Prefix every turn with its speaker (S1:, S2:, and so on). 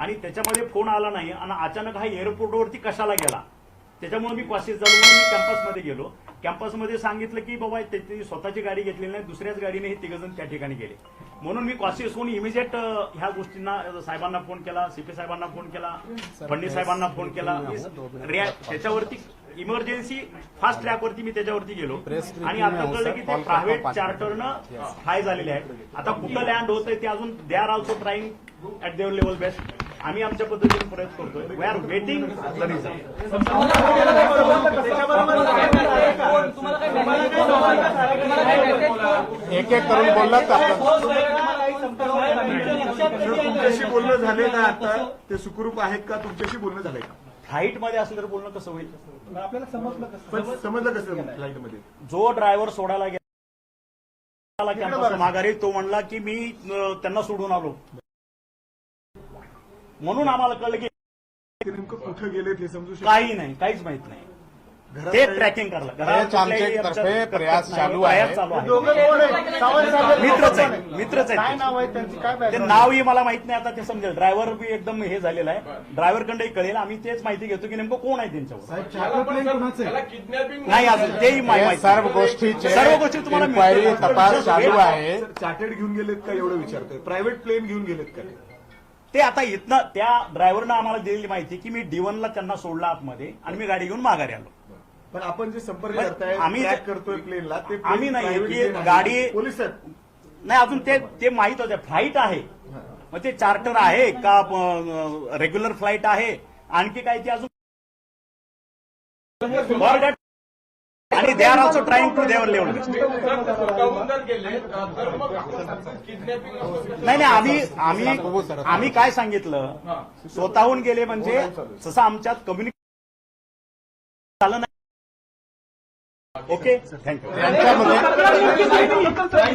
S1: आणि त्याच्यामध्ये फोन आला नाही आणि अचानक हा एअरपोर्टवरती कशाला गेला, त्याच्यामुळे मी कॉशियस झालो म्हणून मी कॅम्पसमध्ये गेलो. कॅम्पसमध्ये सांगितलं की बाबा त्याची स्वतःची गाडी घेतलेली नाही, दुसऱ्याच गाडीने हे तिघजण त्या ठिकाणी गेले. म्हणून मी कॉशियस होऊन इमिजिएट ह्या गोष्टींना साहेबांना फोन केला, सीपी साहेबांना फोन केला, फडणवीस साहेबांना फोन केला. त्याच्यावरती इमर्जन्सी फास्ट ट्रॅकवरती मी त्याच्यावरती गेलो आणि आता कळलं की ते प्रायव्हेट चार्टरनं फ्लाय झालेले आहे. आता कुठं लँड होतंय ते अजून they are also trying at their level best. आम्ही आमच्या पद्धतीने प्रयत्न करतोय. We are waiting the result.
S2: एक एक करून बोललात आपण.
S3: तुमच्याशी बोलणं झाले ना आता ते सुखरूप आहेत का, तुमच्याशी बोलणं झालंय का?
S1: फ्लाईट मध्ये असलं तर बोलणं कसं होईल?
S3: आपल्याला समजलं कसं फ्लाईट मध्ये?
S1: जो ड्रायव्हर सोडायला गेला कॅम्पस माघारी, तो म्हणला की मी त्यांना सोडून आलो. म्हणून आम्हाला कळलं की
S3: नेमकं कुठं गेले ते समजू शकतो?
S1: काही नाही, काहीच माहित नाही. ते ट्रॅकिंग करलं.
S2: तर्फे प्रयास चालू आहे.
S1: मित्रच आहे. ते नावही मला माहित नाही. आता ते समजेल. ड्रायव्हर बी एकदम हे झालेला आहे. ड्रायव्हरकडे कळेल. आम्ही तेच माहिती घेतो की नेमकं कोण आहे त्यांच्यावर. नाही अजून तेही माहिती.
S2: सर्व गोष्टी
S1: तुम्हाला
S2: इन्क्वायरी तपास चालू आहे.
S3: चार्टर्ड घेऊन गेलेत का एवढं विचारतोय? प्रायव्हेट प्लेन घेऊन गेलेत का?
S1: ते आता इथनं त्या ड्रायव्हरनं आम्हाला दिलेली माहिती की मी D1ला त्यांना सोडला आतमध्ये आणि मी गाडी घेऊन माघारी आलो.
S3: पण आपण जे संपर्क करताय,
S1: आम्ही
S3: ट्रॅक करतोय प्लेनला, ते
S1: आम्ही नाही की गाडी
S3: पोलीस
S1: नाही अजून ते माहित होते. फ्लाईट आहे मग ते चार्टर आहे का रेग्युलर फ्लाईट आहे आणखी काय ते अजून आणि they are also trying to their level. नाही आम्ही काय सांगितलं, स्वतःहून गेले म्हणजे जसं आमच्यात कम्युनिकेशन झालं नाही. Okay, thank you.